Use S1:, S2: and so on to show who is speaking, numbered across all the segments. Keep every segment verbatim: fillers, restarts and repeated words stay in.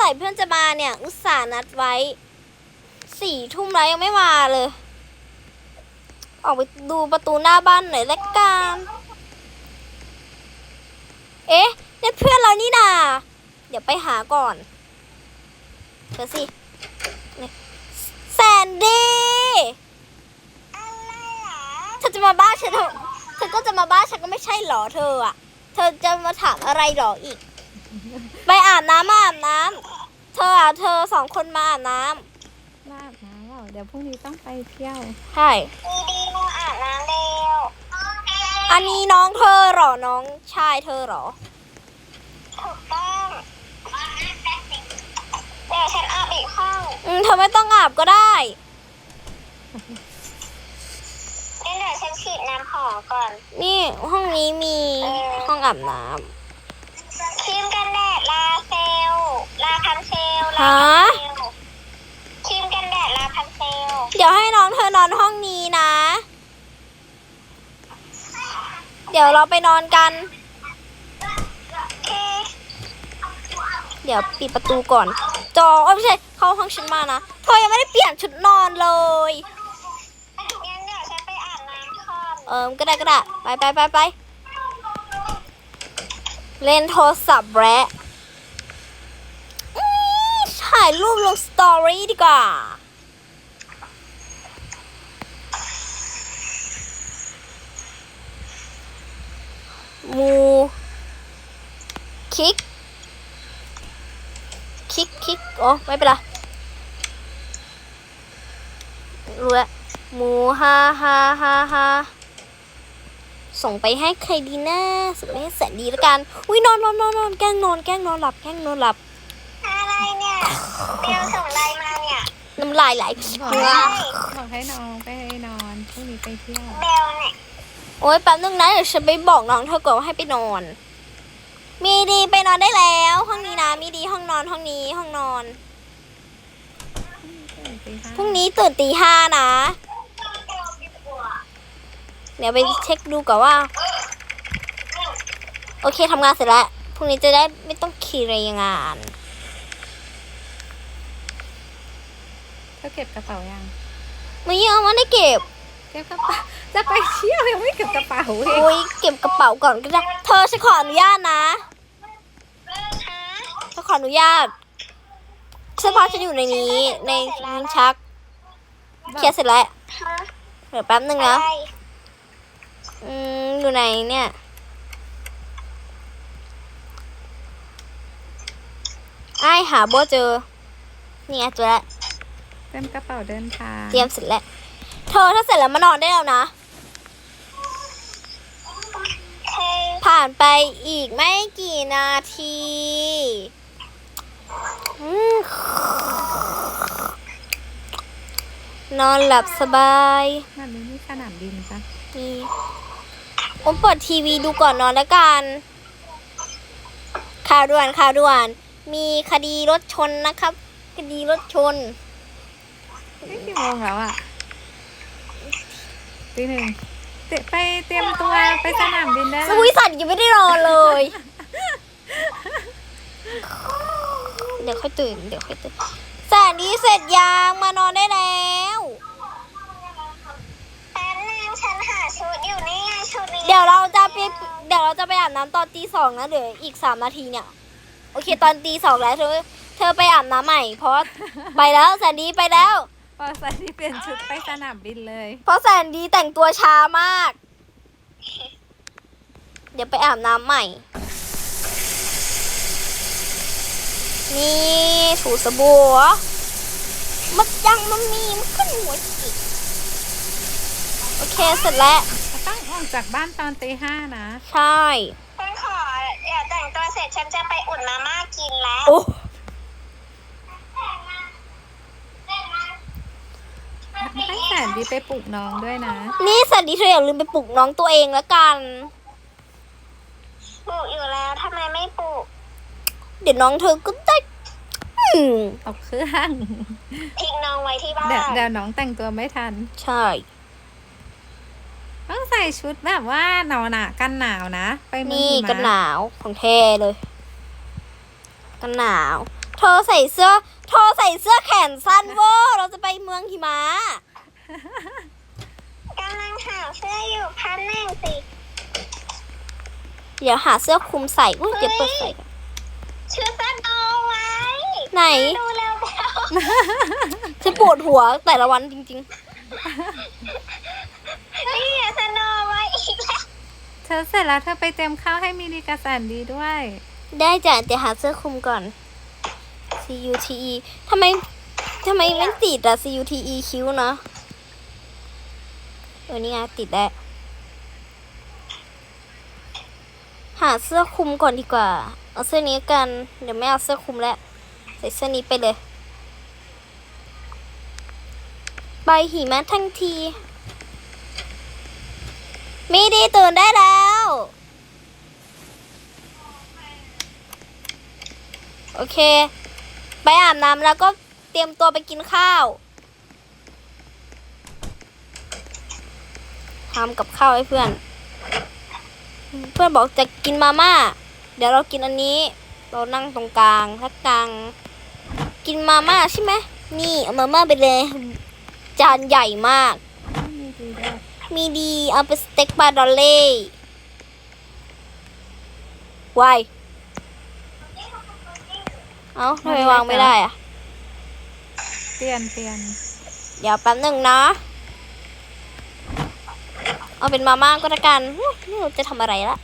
S1: ร่เพื่อนจะมาเนี่ย อุตส่าห์นัดไว้สี่ทุ่มแล้วยังไม่มาเลย ออกไปดูประตูหน้าบ้านหน่อยละกันเอ๊ะนี่เพื่อนเรานี่นาเดี๋ยวไปหาก่อนเธอสิแซนดี้เธอจะมาบ้านฉันเถอะเธอก็จะมาบ้านฉันก็ไม่ใช่หรอเธออะเธอจะมาถามอะไรหรออีกไปอาบน้ำมาอาบน้ำเธออะเธอสองคนมาอาบน้ำ
S2: มาอาบน้ำเหรอเดี๋ยวพรุ่งนี้ต้องไปเที่ยว
S1: ใช่
S3: ดีดีมาอาบน้ำเร็ว
S1: อันนี้น้องเธอหรอน้องชายเธอหรอ
S3: ถูกต้องเดี๋ยวฉันอาบอีกห้อง
S1: อืมเธอไม่ต้องอาบก็ได้
S3: งั้นเดี๋ยวฉันฉีดน้ำหอมก่อน
S1: นี่ห้องนี้มีห้องอาบน้
S3: ครีมกันแดดลาเซล ลาพันเซล
S1: ำ
S3: ลา
S1: ฮะ
S3: พันเซลครีมกันแดดลาพันเซล
S1: เดี๋ยวให้น้องเธอนอนห้องนี้นะ เดี๋ยวเราไปนอนกัน
S3: โอเค
S1: เดี๋ยวปิดประตูก่อน จอเอ้ยไม่ใช่เข้าห้องฉันมานะเธอยังไม่ได้เปลี่ยนชุดนอนเลย
S3: งั้นเดี๋ยวฉันไปอาบน้ำก่อน
S1: เออก็ได้ก็ได้ไปไปไปไปเล่นโทรศัพท์แร้อื้อถ่ายรูปลงสตอรี่ดีกว่ามูคิกคิกคิกโอ้ไม่เป็นไรรู้แล้วมูฮ่าฮ่าฮ่าฮ่าส่งไปให้ใครดีนะส่งไปให้แสนดีแล้วกันอุ้ยนอนนอนนอนนอนแกล้งนอนแกล้งนอนหลับแกล้งนอนหลับ
S3: อะไรเนี่ยเบลส่งไลน์มาเนี่ย
S1: น้ำลายไหล
S2: บอกให้บอกให้น้องไปนอนพรุ่งนี้ไปเที่ยว
S3: เบลเนี่ย
S1: โอ้ยแป๊บนึงนะเดี๋ยวฉันไปบอกน้องเธอก่อนว่าให้ไปนอน มีดีไปนอนได้แล้ว ห้องนี้นะมีดีห้องนอนห้องนี้ห้องนอนพรุ่งนี้ตื่นตีห้านะ เดี๋ยวไปเช็คดูก่อนว่า โอเคทำงานเสร็จแล้วพรุ่งนี้จะได้ไม่ต้องขี่รายงาน
S2: เธอเก็บกระเป๋ายัง
S1: ไม่ยังไม่ได้เก็บ
S2: เก็บกระเป๋าจะไปเที่ยวยังไม่เก็บกระเป๋าเอง
S1: โอ้ยเก็บกระเป๋าก่อนก็ได้เธอฉันขออนุญาตนะ
S3: ฮะ
S1: ฉันขออนุญาตเสื้อผ้าฉันอยู่ในนี้ในลิ้นชักเคลียร์เสร็จแล้ว
S3: ฮะ
S1: เดี๋ยวแป๊บนึง
S3: อะ
S1: นะ
S3: ไร
S1: อืมอยู่ไหนเนี่ยไอ้หาโบเจอนี่ไงเจอแล้ว
S2: เตรียมกระเป๋าเดินทาง
S1: เตรียมเสร็จแล้วเธอถ้าเสร็จแล้วมานอนได้แล้วนะ
S3: เฮ้ย
S1: ผ่านไปอีกไม่กี่นาทีอืมนอนหลับสบาย
S2: มันมีสนามบินปะ
S1: นี่ผมเปิดทีวีดูก่อนนอนแล้วกัน ข่าวด่วนข่าวด่วน มีคดีรถชนนะครับ คดีรถชน
S2: นี่กี่โมงแล้วอ่ะตีหนึ่งเตะไปเตรียมตัวไปสนามบินได้
S1: ส
S2: แล้ว
S1: วิสันยังไม่ได้นอนเลย เดี๋ยวค่อยตื่น เดี๋ยวค่อยตื่นแสนดีเสร็จยังมานอนได้แล้ว
S3: แป๊บนึงฉันหาชุดอยู่นี่ไงชุดนี้
S1: เดี๋ยวเราจะไปเดี๋ยวเราจะไปอาบน้ำตอนตีสองนะเดี๋ยวอีกสามนาทีเนี่ย โอเคตอนตีสองแล้วเธอ เธอไปอาบน้ำใหม่ เพราะไปแล้วแสนดีไปแล้ว
S2: พอใส่ที่เปลี่ยนชุดไปสนามบินเลย
S1: เพราะแสนดีแต่งตัวช้ามาก เดี๋ยวไปอาบน้ำใหม่ นี่ถูสบู่เหรอมันยังมันมีมันขึ้นหัวจิกโอเคเสร็จแล้ว
S2: ต้องออกจากบ้านตอนตีห้านะ
S1: ใช่
S3: ฉันขอเดี๋ยวแต่งตัวเสร็จฉันจะไปอุ่นมาม่ากินแล้ว
S1: โอ้
S2: ให้แสนดีไปปลุกน้องด้วยนะ
S1: นี่แสนดีเธออย่าลืมไปปลุกน้องตัวเองแล้วกัน
S3: ปลูกอยู่แล้วทำไมไม่ปลูก
S1: เดี๋ยวน้องเธอก็ได้อืม
S2: ออกเครื่อง
S3: ทิ้งน้องไว้ที่บ้าน
S2: เดี๋ยวเดี๋ยวน้องแต่งตัวไม่ทัน
S1: ใช่
S2: ต้องใส่ชุดแบบว่าหนาวหนากันหนาวนะ ไปเมือง
S1: นี่
S2: หิมะ
S1: กันหนาวของแท้เลย กันหนาวเธอใส่เสื้อเธอใส่เสื้อแขนสั้นเวอร์เราจะไปเมืองหิมะ
S3: กำลังหาเสื้ออยู่พันหนึ่งสิ
S1: เดี๋ยวหาเสื้อคลุมใส่อุ้ยเดี๋ยวเปิดใส่ก่อน
S3: ชื่อสโนไว้
S1: ไหน
S3: ดูแล้วแล้ว
S1: ฉันปวดหัวแต่ละวันจริง
S3: นี่สโนไว้อีกแล้ว
S2: เธอเสร็จแล้วเธอไปเตรียมข้าวให้มีดีกระสันดีด้วย
S1: ๆ ได้จ้ะเดี๋ยวหาเสื้อคลุมก่อน C U T E ทำไมทำไมไม่ติดอะ C U T E คิ้วนะเออนี่ไงติดแล้วหาเสื้อคลุมก่อนดีกว่า เอาเสื้อนี้กัน เดี๋ยวไม่เอาเสื้อคลุมแล้ว ใส่เสื้อนี้ไปเลยไปหิมะทั้งทีไม่ได้ตื่นได้แล้ว โอเค ไปอาบน้ำแล้วก็เตรียมตัวไปกินข้าวทำกับข้าวให้เพื่อน เพื่อนบอกจะกินมาม่า เดี๋ยวเรากินอันนี้ เรานั่งตรงกลางถ้ากลาง กินมาม่าใช่ไหม นี่เอามาม่าไปเลย จานใหญ่มาก
S2: มีดีด้วย
S1: มีดีเอาไปสเต็กปลาดอลเล่วายเอ้าทำไมวางไม่ได้อะ
S2: เปลี่ยนเปลี่ยน
S1: เดี๋ยวแป๊บหนึ่งนะ เอาเป็นมาม่าก็แล้วกันอุ๊ยนี่เราจะทำอะไรละ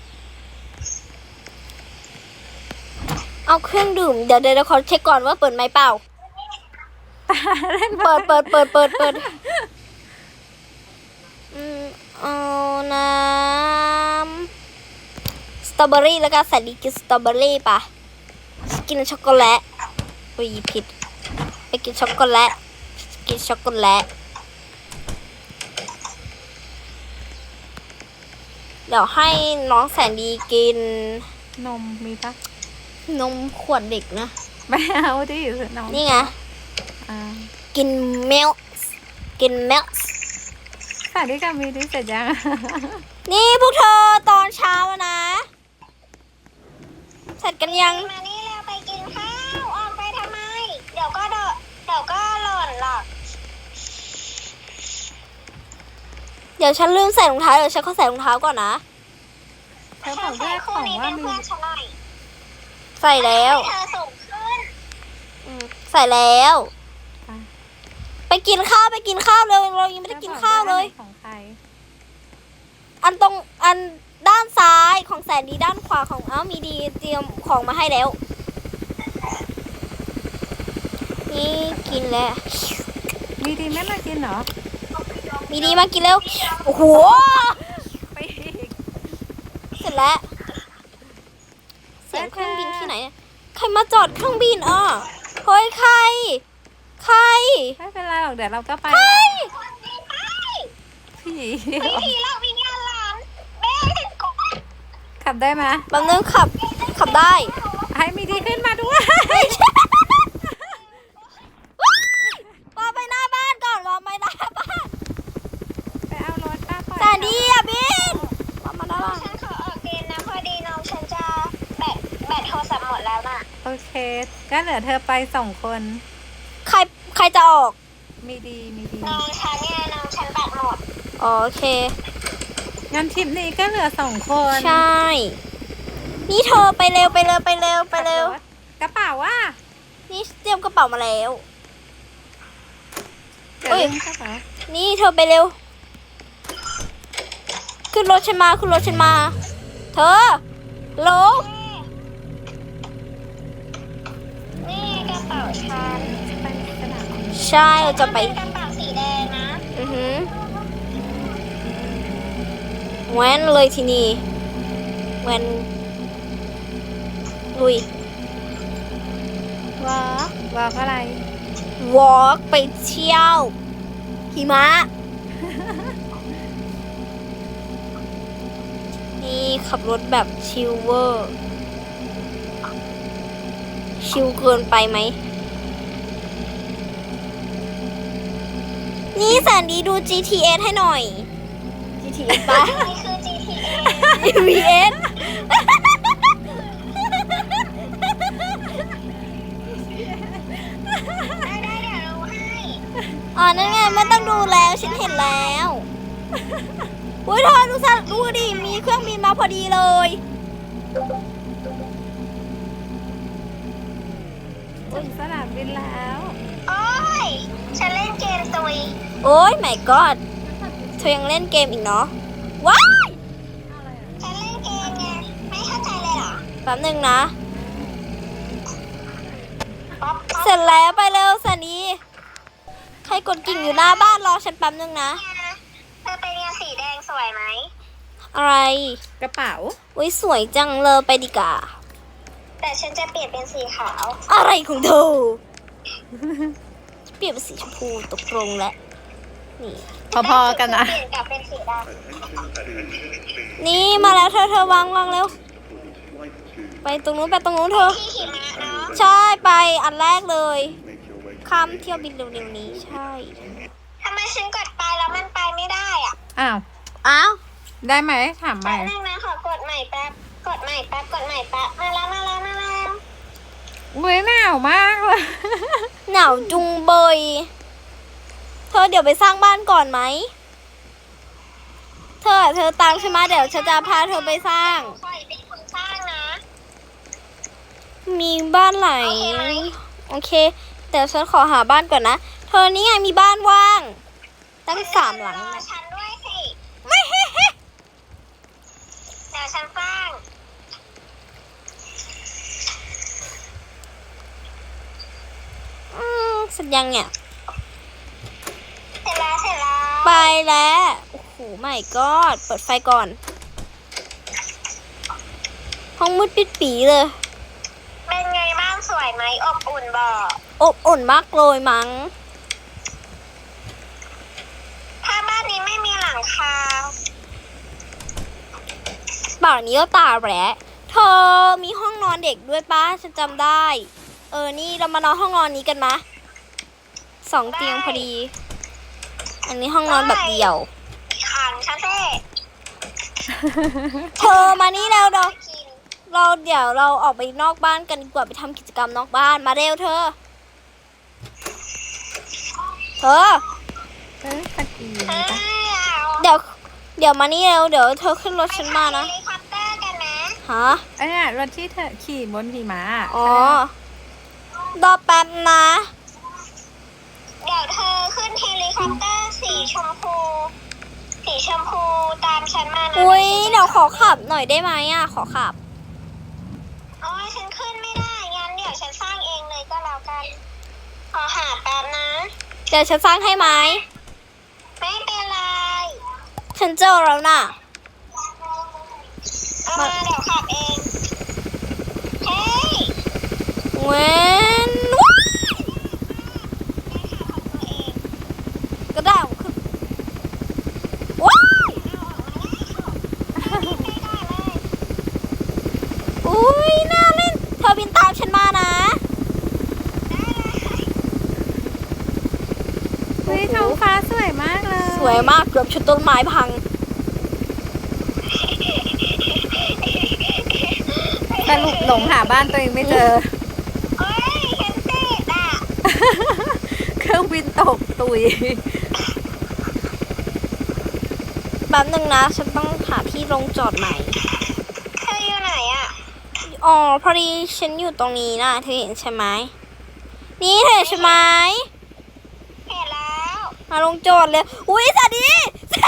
S1: เอาเครื่องดื่ม เดี๋ยวเดี๋ยวเราขอเช็คก่อนว่าเปิดไหมเปล่า เปิดเปิดเปิดเปิดเปิดอืมเอาน้ำสตรอเบอรี่แล้วก็ใส่ดีกินสตรอเบอรี่ป่ะ กินช็อกโกแลตอุ้ยผิด ไปกินช็อกโกแลต กินช็อกโกแลต เดี๋ยวให้น้องแสนดีกิน
S2: นมมีปะ
S1: นมขวดเด็กนะ
S2: ไม่เอาดิน้อง
S1: นี่ไง
S2: อ่า
S1: กินเมลกินเมล
S2: สวัสดีค่ะมีดีเสร็จยัง
S1: นี่พวกเธอตอนเช้าอะนะ เสร็จกันยัง
S3: มานี่แล้วไปกินข้าวออกไปทำไม เดี๋ยวก็เดนเดี๋ยวก็หล่นหรอก
S1: เดี๋ยวฉันลืมใส่รองเท้า เดี๋ยวฉันขอใส่รองเท้าก่อนนะ
S2: เธอบอกด้
S3: ใส่
S2: วยข
S3: คู่
S2: อง
S3: นี้
S2: ว่า
S3: เป็น
S2: มี
S3: เพื่อนฉันหน่อย
S1: ใส่แล้ว
S3: ให้เธอสูงขึ้น
S1: อืมใส่แล้ว
S2: อ่ะ
S1: ไปกินข้าวไปกินข้าวเลยเรายังไม่ได้กินข้าวเลย
S2: ของใคร
S1: อันตรงอันด้านซ้ายของแสนดีด้านขวาของเอ้ามีดีเตรียมของมาให้แล้ว นี่กินแล้ว
S2: มีดีไม่มากินเหรอ
S1: มีดีมากินแล้ว โอ้โห
S2: ไปอีก
S1: เสร็จแล้ว เสียงเครื่องบินที่ไหนเนี่ยใครมาจอดเครื่องบินอ่ะเฮ้ยใคร ใคร
S2: ไม่เป็นไรหรอกเดี๋ยวเราก็ไป
S1: ใคร
S2: ผี
S3: วิธีเราวิญญาณหลานแม่ถึงกบ
S2: ขับได้ไหม
S1: บางนึงขับ ขับได้
S2: ให้มีดีขึ้นมาด้วย
S1: วางไปหน้าบ้านก่อนวางไปหน้าบ้าน
S2: ไปเอารถป้าปล่อย
S1: แสนดีอ่ะบินวางมาด้านล่าง
S3: ฉันขอออกเกณฑ์นะพอดีน้องฉันจะแบตแบตโทรศัพท์หมดแล้วน่ะ
S2: โอเค ก็เหลือเธอไปสองคน
S1: ใคร ใครจะออก
S2: มีดีมีดี
S3: น้องฉันเนี่ยน้องฉันแบตหมด
S1: โอเค
S2: งั้นทริปนี้ก็เหลือสองคน
S1: ใช่ นี่เธอไปเร็วไปเร็วไปเร็วไปเร็ว
S2: กระเป๋าว่า
S1: นี่เตรียมกระเป๋ามาแล้ว
S2: เดี๋ยวลืมกระเป๋า
S1: นี่เธอไปเร็ว ขึ้นรถฉันมาขึ้นรถฉันมา เธอโหล
S3: นี่กระเป๋าฉัน
S2: ไปสนาม
S1: ใช่เราจะไป
S3: กระเป๋าสีแดงนะ
S1: อือหือแว้นเลยทีนี้แว้นลุย
S2: วอล์กวอล์กอะไร
S1: วอล์กไปเที่ยวหิมะ นี่ขับรถแบบชิลเวอร์ ชิลเกินไปไหม นี่แสนดีดู จี ที เอส ให้หน่อย จี ที เอส ป่ะ
S3: นี่คือ จี ที เอ
S1: วี เอสอ๋อนั่นไงไม่ต้องดูแล้วฉันเห็นแล้วอุ้ยเธอดูสัดูดิมีเครื่องบินมาพอดีเลย
S2: ถึงสนามบินแล้ว
S3: โอ้ยฉันเล่นเกมตุย
S1: โอ้ยไม่กอดเธอยังเล่นเกมอีกเนาะว้าย
S3: ฉันเล่นเกมไงไม่เข้าใจเลยเหรอ
S1: แป๊บหนึ่งนะ
S3: ป๊อปป๊อป
S1: เสร็จแล้วไปเร็วสันนีใครกดกิ่งอยู่หน้าบ้านรอฉันแป๊บหนึ่งนะ
S3: เธอเป็นยาสีแดงสวยไหม
S1: อะไร
S2: กระเป๋า
S1: อุ้ยสวยจังเลยไปดีกว่า
S3: แต่ฉันจะเปลี่ยนเป็นสีขาว
S1: อะไรของเธอเปลี่ยนเป็นสีชมพูตกลงแล้วนี่
S2: พอๆกันนะ
S3: เปลี่ยนกลับเป็นสีด
S1: นี่มาแล้วเธอเธอวางวางเร็วไปตรงนู้นไปตรงนู้นเธอ
S3: ำที่หิมะเนาะ
S1: ใช่ไปอันแรกเลยข้ามเที่ยวบินเร็วๆนี้ใช่
S3: ทำไมฉันกดไปแล้วมันไปไม่ได้อ่ะ
S2: อ้าว
S1: อ้าว
S2: ได้ไหมถามให
S3: แป๊
S2: ม่
S3: บนึงนะขอกดใหม่แป๊บ กดใหม่แป๊บ กดใหม่แป๊บ มาแล้วมาแล้วมาแล้ว
S2: อุ้ยหนาวมากเลย
S1: หนาวจุงเบยเธอเดี๋ยวไปสร้างบ้านก่อนไหมเธอเธอตามฉันมาเดี๋ยวฉันจะพาเธอไปสร้าง
S3: คอยเป็นคนสร้างนะ
S1: มีบ้านไหน
S3: โอเคไหม
S1: โอเคแต่ฉันขอหาบ้านก่อนนะเธอนี่ไงมีบ้านว่าง ตั้งสามหลัง
S3: รอ
S1: นะ
S3: ฉันด้วยสิ
S1: ไม่เฮ้เฮ้
S3: เดี๋ยวฉันสร้าง
S1: อืมเสร็จยังเนี่ย
S3: เสร็จแล้วเสร็จแล้ว
S1: ไปแล้วโอ้โหไม่ก็เปิดไฟก่อน ห้องมืดปิดปีเลย
S3: เป็นไงบ้างสวยไหมอบอุ่นบอก
S1: อบอุ่นมากเลยมั้ง
S3: ถ้าบ้านนี้ไม่มีหลังคา
S1: ป่านนี้ก็ตาแหละเธอมีห้องนอนเด็กด้วยป้าฉันจำได้ เออนี่เรามานอนห้องนอนนี้กันนะสองเตียงพอดี อันนี้ห้องนอนแบบเดี่ยว
S3: ขังฉันเซ่
S1: เธอมานี่แล้วเรา
S3: กิน
S1: เราเดี๋ยวเราออกไปนอกบ้านกันดีกว่าไปทำกิจกรรมนอกบ้านมาเร็วเธอ เธอ
S2: เอ้ยตะกี้
S3: เอ้ยเอา
S1: เดี๋ยว เดี๋ยวมานี่เร็วเดี๋ยวเธอขึ้นรถฉันมานะ
S3: ไปขับเฮลิคอปเตอร์กันนะ
S1: ฮะ
S2: ไอ้เนี่ยรถที่เธอขี่บนหิมะ
S1: อ๋อรอแป๊บนะ
S3: เดี๋ยวเธอขึ้นเฮลิคอปเตอร์สีชมพู สีชมพูตามฉันมานะ
S1: อุ้ยเดี๋ยวขอขับหน่อยได้ไหมอ่ะขอขับ
S3: โอ้ยฉันขึ้นไม่ได้ งั้นเดี๋ยวฉันสร้างเองเลยก็แล้วกัน ขอหาแป๊บนะ
S1: เดี๋ยวฉันสร้างให้ไหม
S3: ไม่เป็นไร
S1: ฉันเจอแล้วน่ะ
S3: เอามาเดี๋ยวขับเอง เฮ้ย
S1: เว้นว้าย
S3: ตัวเอง
S1: ก็ได้ของขึ้นว้าย
S3: เอาออกมาแล้วไม่ได้เลย
S1: อุ้ยน่าเล่นเธอบินตามฉันมานะ
S2: เฮ้ยท้องฟ้าสวยมากเลย
S1: สวยมากเกือบชนต้นไม้พัง
S2: สรุปหลงหาบ้านตัวเองไม่เจอ
S3: เฮ้ยฉันติดอ่ะ
S2: เครื่องบินตกตุย
S1: แป๊บนึงนะฉันต้องหาที่ลงจอดใหม่
S3: เธออยู่ไหนอ่ะ
S1: อ๋อพอดีฉันอยู่ตรงนี้นะเธอเห็นใช่ไหมนี่เธอเห็นใช่ไหม
S3: เห็นแล้ว
S1: มาลงจอดเลย อุ้ยสวัสดี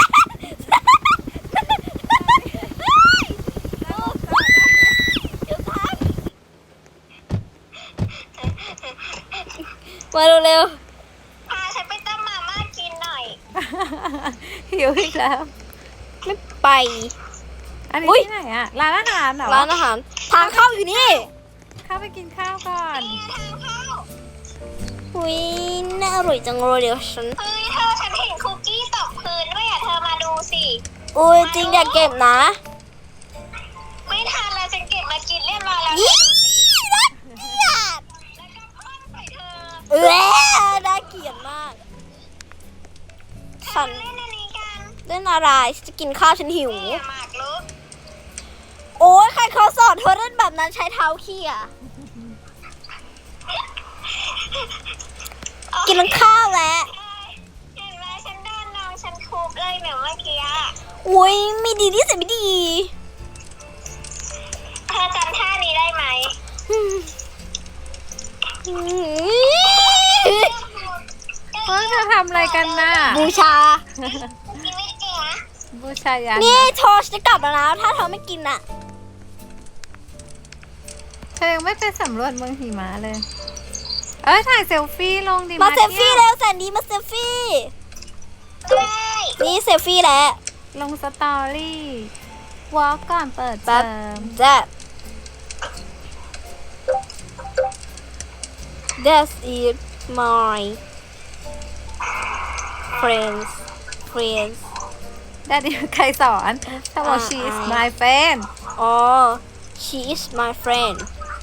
S1: มาเร็ว
S3: พาฉันไปต้มมาม่ากินหน่อย
S2: หิวอีกแล้ว
S1: ๆไม่ไป
S2: อันนี้
S1: อุ๊ย
S2: ที่ไหนอะร้านอาหารเหรอ
S1: ร้านอาหาร ทางเข้าอยู่นี่
S2: เข้าไปกินข้าวก่อน
S3: นี่ทางเข้า
S1: อุ้ยน่าอร่อยจังเลยเดี๋ยวฉัน
S3: เฮ้ยเธอฉันเห็นคุกกี้ตกพื้นด้วยอ่ะ เธอมาดูสิ
S1: อุ้ยจริงอย่าเก็บนะ
S3: ไม่ทันแล้วฉันเก็บมากินเรียบร้อยแล้ว
S1: ยี่น่าเกลียด
S3: แล้วก็พ่นใส่เธอ
S1: เอ้ยน่าเกลียดมาก ฉัน
S3: เล่นอันนี้กัน
S1: เล่นอะไรฉันจะกินข้าวฉันหิว
S3: นี่หมากรุก
S1: โอ้ยใครเขาสอนเธอเล่นแบบนั้นใช้เท้าเขี่ยกินข้าวแล้วอุ้ยไม่ดีที่สุดไม่ดี
S3: เธอจำท่านี้ได้ไหม
S1: อืม
S2: เฮ้ยจะทำอะไรกันน่ะ
S1: บูชา
S3: กินไม่เก่งนะ
S2: บูชายัน
S1: นี่
S2: นะ
S1: โทชจะกลับแล้วนะถ้าเธอไม่กินอ่ะ
S2: เธอยังไม่ไปสำรวจเมืองหิมะเลย เอ้ยถ่ายเซลฟี่ลงดิ
S1: มาเซลฟี่
S2: ที่ยว
S1: แล้วแสนดีมาเซลฟี่
S3: ใช่
S1: นี่เซลฟี่แล้ว
S2: ลงสตอรี่วอล์กก่อนเปิดเท
S1: แป๊
S2: อบ ม
S1: that that is my friends friends
S2: ได้ดิใครสอนถ้าบอก she is my friend
S1: อ๋อ she is my friend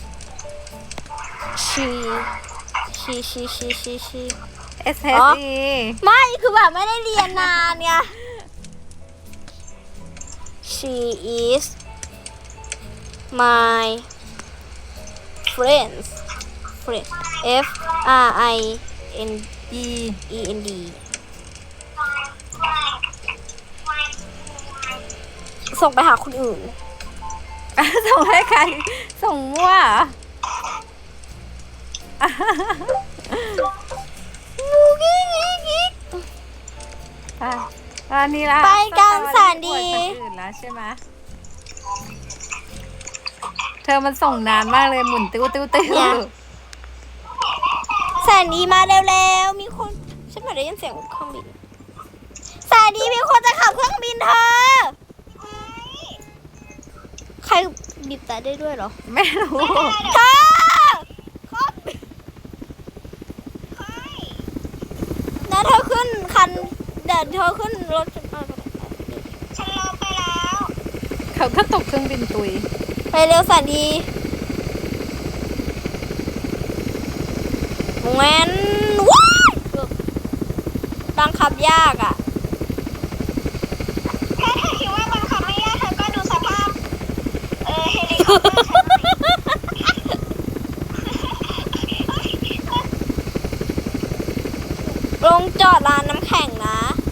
S1: she she she she she she
S2: S H E
S1: ไม่คือแบบไม่ได้เรียนนานไง she is my friends friend F R I N
S2: E
S1: E N D ส่งไปหาคนอื่น
S2: ส่งให้ใคร ส่งมั่วเหรอ อ่ะตอนนี้ละ
S1: ไปกันสารดี
S2: อวยคนอื่นแล้วใช่ไหมเธอมันส่งนานมากเลยหมุนติ้วติ้วติ้ว
S1: แสนดีมาเร็วๆ มีคน ฉันไม่ได้ยินเสียงเครื่องบิน แสนดีมีคนจะขับเครื่องบินเธอ ใครบีบแต่ได้ด้วยเหรอ
S2: ไม่รู้
S1: เธอครับนะเธอขึ้นคัน เดินเธอขึ้นรถฉันมา
S3: ฉันลงไปแล้ว
S2: เขาก็ตกเครื่องบินตุย
S1: ไปเร็วแสนดีแมนว้ายบังคับยากอ่ะ
S3: ถ้าเธอคิดว่าบังคับไม่ยากเธอก็ดูสภาพ เออเฮลิคอปเตอร์ฉันหน่อย
S1: ลงจอดร้านน้ำแข็งนะ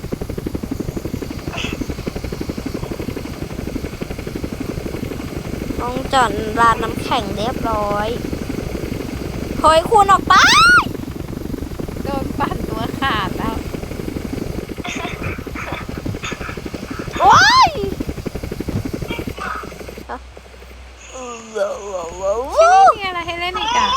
S1: ลงจอดร้านน้ำแข็งเรียบร้อยเฮ้ยคุณออกไป
S2: โดนปั่นตัวขาดแล้ว
S1: โอ้ย
S2: ที่นี่มีอะไรให้เล่นอีกอ่ะ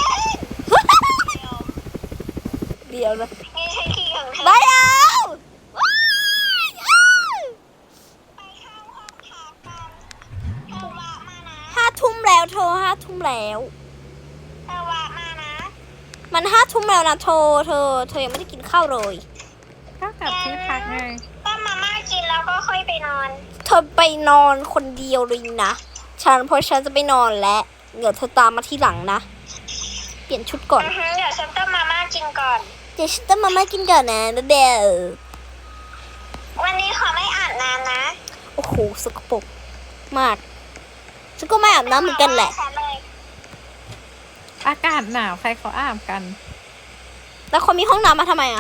S1: เดี๋ยวนะ
S3: นี่ฉันขี่ของเธอ
S1: ไม่เอาว้ายอ้าว
S3: ไปเข้าห้องพักกันเธอวะมานะ
S1: ห้าทุ่มแล้วเธอห้าทุ่มแล้ว
S3: เธอวะมานะ
S1: มันห้าทุ่มแล้วนะเธอเธอ เธอยังไม่ได้กินข้าวเลย
S2: ก็กลับที่พักไง
S3: ต้มมาม่ากินแล้วก็ค่อยไปนอน
S1: เธอไปนอนคนเดียวเลยนะ ฉันเพราะฉันจะไปนอนแล้ว เดี๋ยวเธอตามมาที่หลังนะ เปลี่ยนชุดก่อน
S3: อือฮึเดี๋ยวฉันต้มมาม่ากินก่อน
S1: เดี๋ยวฉันต้องมาม่ากินก่อนนะเดี๋ยว
S3: วันนี้ขอไม่อาบน้ำนะ
S1: โอ้โหสกปรกมาก ฉันก็ไม่อาบน้ำเหมือนกันแหละ
S3: ฉันเลย
S2: อากาศหนาวใครเขาอาบกัน
S1: แล้วคนมีห้องน้ำมาทำไมอ่ะ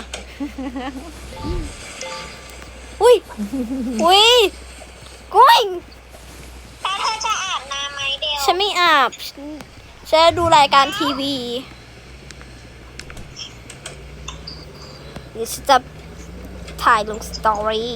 S1: อุ้ย อุ้ยกุ้ย
S3: แล้วเธอจะอาบน้ำไหมเดียว
S1: ฉันไม่อาบ ฉันฉันจะดูรายการทีวี เดี๋ยวฉันจะถ่ายลงสตอรี่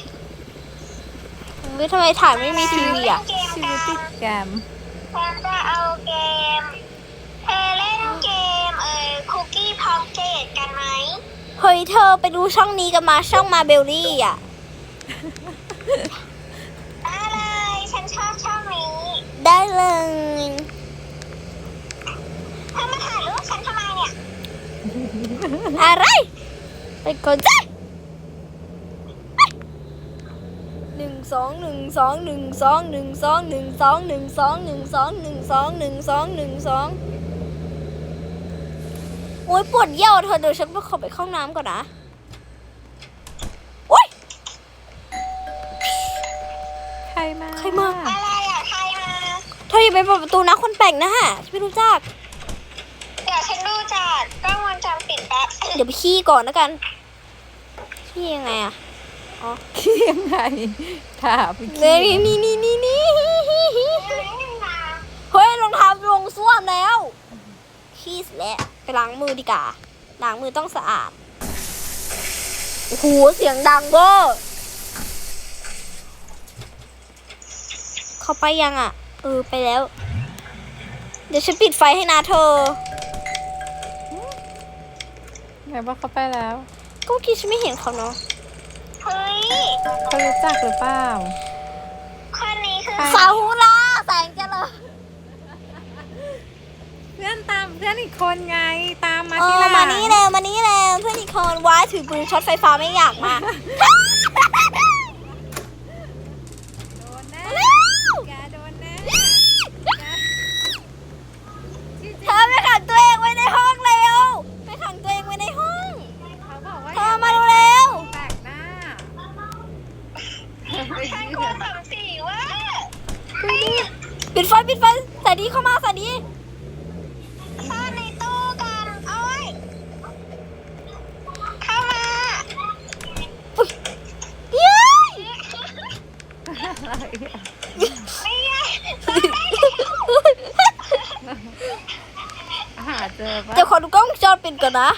S1: เฮ้ยทำไมถ่ายไม่มีทีวีอ่ะ
S3: เล่นเกม
S2: ชี
S3: กั
S2: วิตติ
S3: น
S2: ดแกม
S3: ฉันจะเอาเกม เธอเล่นเกมเอ่อคุกกี้พ็อกเก็ตกันไหม
S1: เฮ้ยเธอไปดูช่องนี้กันมาช่องมาเบลลี่อ่ะ
S3: ได้เลย ฉันชอบช่องนี้
S1: ได้เลย
S3: เธอมาถ่ายรูปฉันทำไมเนี่ย
S1: อะไร ไปก่อนจ้ะหนึ่งสองหนึ่งสองหนึ่งสองหนึ่งสองหนึ่งสองหนึ่งสองหนึ่งสองหนึ่งสองหนึ่งสองหนึ่งสองโอ้ยปวดเยี่ยวเธอเดี๋ยวฉันไปขอไปเข้าน้ำก่อนนะโอ้ย
S2: ใครมา
S1: ใครมา
S3: อะไรอ่ะใครมา
S1: เธออย่าไปเปิดประตูนะคนแปลกหน้าฉันไม่รู้จัก
S3: เดี๋ยวฉันดูจากกล้องวงจรปิดแป๊บ
S1: เดี๋ยวไปขี้ก่อนแล้วกันขี้ยังไงอะอ๋อ
S2: ขี้ยังไงถามไป
S1: เนี่
S2: ขี้
S1: ยนี่นี่นี่นี่เฮ้ยรองเท้าลงส้วมแล้วขี้เสร็จแล้วไปล้างมือดีกว่าล้างมือต้องสะอาดโอ้โหเสียงดังเวอร์เขาไปยังอ่ะเออไปแล้ว เดี๋ยวฉันปิดไฟให้นะเธอ
S2: ไงว่าเขาไปแล้ว
S1: ก็เมื่อกี้ฉันไม่เห็นเขาเนาะ
S3: เฮ้ย
S2: เขารู้จักหรือเปล่า
S3: คนนี้คือ
S1: ซาฮูราแสงเจริญ
S2: เพื่อนตามเพื่อนอีกคนไงตามมา
S1: เอ
S2: ที่
S1: อ
S2: หลัง
S1: มานี่เร็วมานี่เร็วเพื่อนอีกคนว้ายถือปืนช็อตไฟฟ้าไม่อยากมา
S2: โดนแน่
S1: เร็ว
S2: แกโดนแน่
S1: เธอไปขังตัวเองไว้ในห้องเร็วไปขังตัวเองไว้ในห้อง
S2: เขาบอกว่า
S1: เธอมาเร็ว
S2: แปลกหน้า
S3: ฉันกลัวสมศรีว่า
S1: ปิดไฟปิดไฟใส่ดีเข้ามาใส่ดี
S3: ซ่อนในตู้กันโอ้ยเข้ามา
S1: เย้ย
S2: อะไรอะ
S3: ไม่ใช่
S2: หาเจอปะ
S1: เดี๋ยวขอดูกล้องวงจรปิดก่อนนะ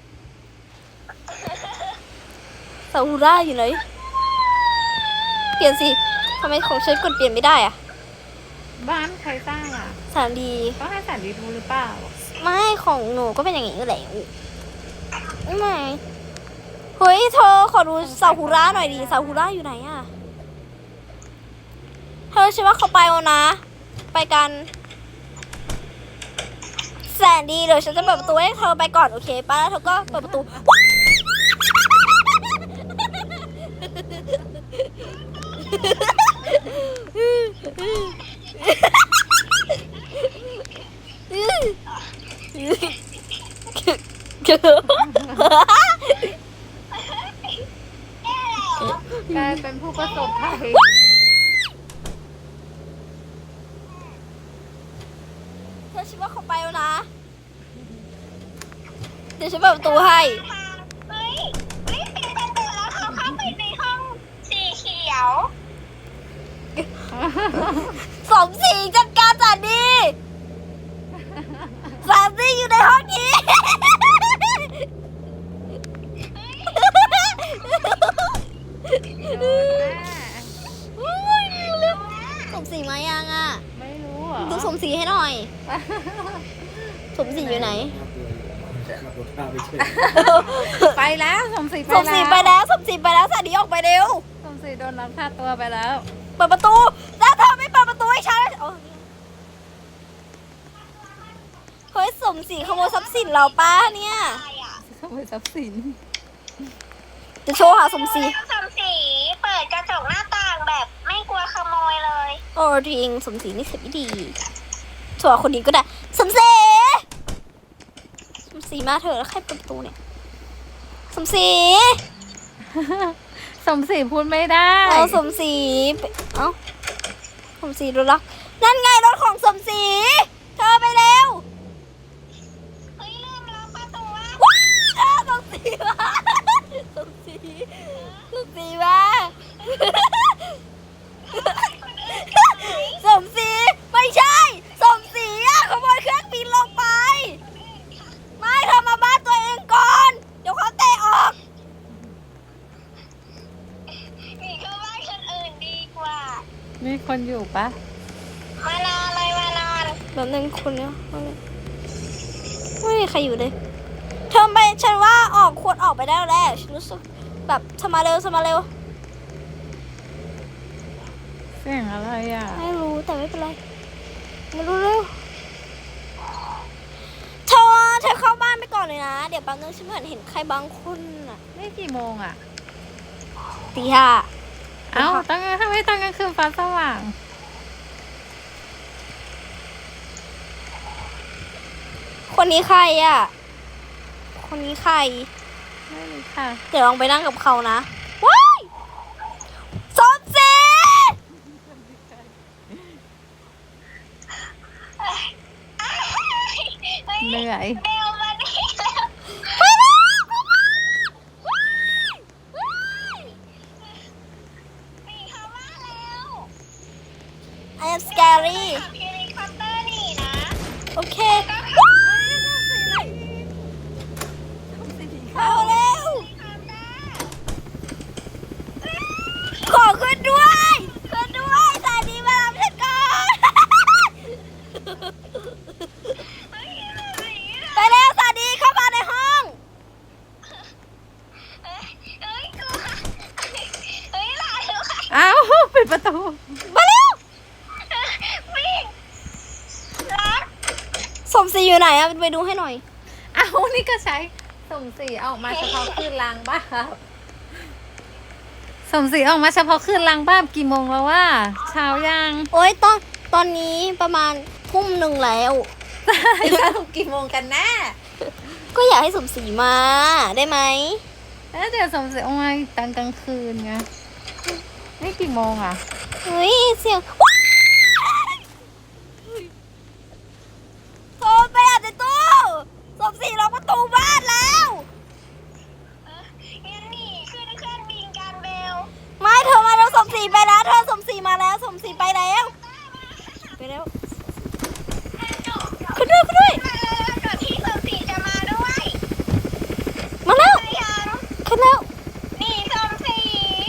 S1: ซาฮูราอยู่ไหนเปลี่ยนสิทำไมของฉันกดเปลี่ยนไม่ได้อะ
S2: บ้านใครสร้างอ่ะ
S1: สามดี
S2: ต้องให้แสนดีดูหรือเปล่า
S1: ไม่ของหนูก็เป็นอย่างนี้แหละไม่เฮ้ยเธอขอดูซาฮูราหน่อยดิซาฮูราอยู่ไหนอะเธอฉันว่าเขาไปแล้วนะ ไปกันแสนดีเดี๋ยวฉันจะเปิดประตูให้เธอไปก่อนโอเคป้าแล้วเธอก็เปิดประตู
S2: กลายเป็นผู้ประสบภัย
S1: เธอฉันว่าเขาไปแล้วนะ เดี๋ยวฉันเปิดประตูให้
S3: เฮ้ยรีบปิดประตูแล้วเขาเข้าไปในห้องสีเขียว
S1: สมศรีจัดการจัดดีสามสี่อยู่ในห้องนี้
S2: โดนแน่
S1: สมศรีมายังอ่ะ
S2: ไม่รู้เหรอ
S1: ดูสมศรีให้หน่อย สมศรีอยู่ไหน
S4: ขับรถพาไปเฉย
S2: ไปแล้วสมศรีไป
S1: สมศรีไปแล้วสมศรีไปแล้วสาดีออกไปเร็ว
S2: สมศรีโดนลักพาตัวไปแล้ว
S1: เปิดประตู แล้วเธอไม่เปิดประตูให้ฉันโอ้เฮ้ยสมศรีขโมยทรัพย์สินเราป้าเนี่ย
S3: อะไรอ่ะ
S2: ขโมยทรัพย์สิน
S1: จะโชว์หาสมศรี
S3: สมศรีเปิดกระจกหน้าต่างแบบไม่กลัวขโมยเลย
S1: โอ้จริงสมศรีนี่เสียไม่ดีชัวร์คนนี้ก็ได้สมศรีสมศรีมาเถอะแล้วใครเปิดประตูเนี่ยสมศรี
S2: สมศรีพูดไม่ได้
S1: เอาสมศรีไปเอ้าสมศรีรถลักนั่นไงรถของสมศรีเธอไปเร็ว
S3: เฮ้ยลืมล็อกประตูว่า
S1: ว้าวสมศรีมาสมศรีสมศรีมาสมศรีไม่ใช่สมศรีอะขโมยเครื่องบินลงไปไม่เธอมาบ้านตัวเองก่อนเดี๋ยวเขาเตะออก
S3: หนีเข้าบ้านคนอื่นดีกว่า
S2: มีคนอยู่ปะ
S3: มานอนเลยมานอน
S1: แบบนึงคนเนี้ยไม่มีใครอยู่เลยเธอไปฉันว่าออกควรออกไปได้แล้วแหละฉันรู้สึกแบบเธอมาเร็วเธอมาเร็ว
S2: เสียงอะไรอ่ะ
S1: ไม่รู้แต่ไม่เป็นไรไม่รู้เร็วเธอเธอเข้าบ้านไปก่อนเลยนะเดี๋ยวแป๊บนึงฉันเหมือนเห็นใครบางคนอ่ะ
S2: นี่กี่โมงอ่ะ
S1: ตีห้า
S2: เอ้าตั้งทำไมตอนกลางคืนฟ้าสว่าง
S1: คนนี้ใครอ่ะคนนี้ใคร
S2: ไม่รู้ค่ะ
S1: เดี๋ยวลองไปนั่งกับเขานะว้ายสมศรี
S2: เหนื่อย
S3: เบลมานี่แล้ว
S1: ไปแล้วรี่
S3: ขับเฮลิคอปเตอร์หนีนะ
S1: โอเคเอาเร็ว ขอขึ้นด้วยขึ้นด้วยสายดีมารับฉันก่อนไปเร็วสายดีเข้ามาในห้อง
S3: เอ้ยเอ้ยกลัวเอ้ยหลานลูกค่ะ
S2: อ้าวปิดประตู
S1: มาเร็ว
S3: วิ่งรัก
S1: สมศรีอยู่ไหนอะไปดูให้หน่อย
S2: อ้าวนี่ก็ใช้สมศรีออกมาเฉพาะคืนล้างบ้านสมศรีออกมาเฉพาะคืนล้างบ้านกี่โมงแล้วว่าเช้ายัง
S1: โอ๊ยตอนตอนนี้ประมาณทุ่มหนึ่งแล้ว
S2: สรุปกี่โมงกันแน่
S1: ก็อยากให้สมศรีมาได้ไหม
S2: แล้วเดี๋ยวสมศรีออกมาตอนกลางคืนไงนี่กี่โมงอ่ะ
S1: เฮ้ยเสียงว้ายโทรไปอาจจะตู้สมศรีล็อกประตูบ้านแล้ว
S3: งั้นหนีขึ้นเครื่องบินกันเบล
S1: ไม่เธอมาแล้วสมศรีไปแล้วเธอสมศรีมาแล้วสมศรีไปแล้วไปแล้วขึ้นด้วยขึ้นด้วย
S3: มาแล้วเดี๋ยวพี่สมศรีจะมาด้วย
S1: มาแล้ว
S3: ไปยัง
S1: ขึ้นแล้ว
S3: หนีสมศรี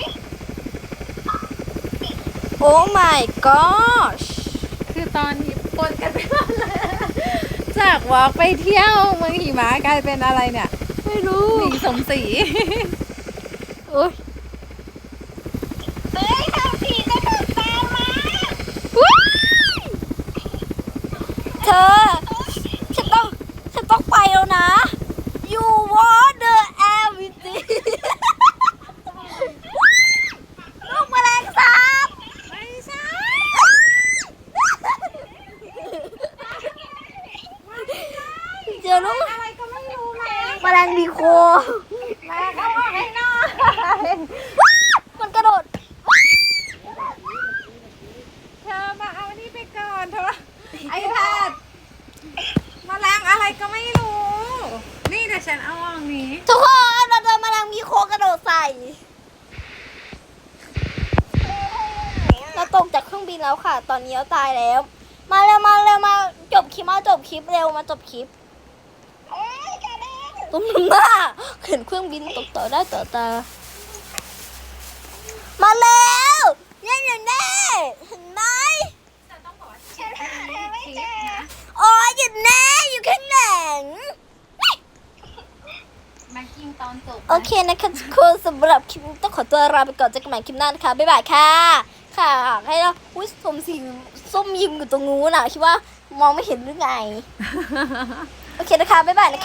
S1: โอ้ my gosh
S2: คือตอนนี้ปนกันไปหมดเลยจากวอล์กไปเที่ยวเมืองหิมะกลายเป็นอะไรเนี่ย
S1: ไม่รู้
S2: หนีสมศรี
S1: โอ้ย
S3: เฮ้ยสมศรีจะถูกตามมา
S1: ว้ายเธอฉันต้องฉันต้องไปแล้วนะ you want the everything ลูกแมลงสาบ
S2: ไม่ใช่
S1: เจอลูก
S2: อะไรก็ไม่รู้มา
S1: แมลงบีโค
S2: มาเข้ามาให้หน่อย
S1: มันกระโดด
S2: เธอมาเอานี่ไปก่อนเธอไอแพดมาล้างอะไรก็ไม่รู้ นี่เดี๋ยวฉันเอาอันนี้
S1: ทุกคนเราเจอแมลงบีโคกระโดดใส่ เราตกจากเครื่องบินแล้วค่ะ ตอนนี้เราตายแล้ว มาเร็วมาเร็วมาจบคลิปมาจบคลิปเร็วมาจบคลิป
S3: เอ้ยกระเด็น
S1: ตุ้มหน้าเห็นเครื่องบินตกต่อได้ต่อตา มาแล้วเนี่ยอยู่แน่เห็นไหม
S3: ฉันหาเธอไม่เจอ
S1: อ๋ออยู่แน่อยู่ข้างหลัง
S2: มากินตอนจบ
S1: โอเคนะคะทุกคนสำหรับคลิปนี้ต้องขอตัวลาไปก่อนเจอกันใหม่คลิปหน้านะคะบ๊ายบายค่ะ ค่ะให้เราอุ้ยสมศรีส้มยิมอยู่ตรงนู้นน่ะคิดว่ามองไม่เห็นหรือไง โอเคนะคะบ๊ายบายนะคะ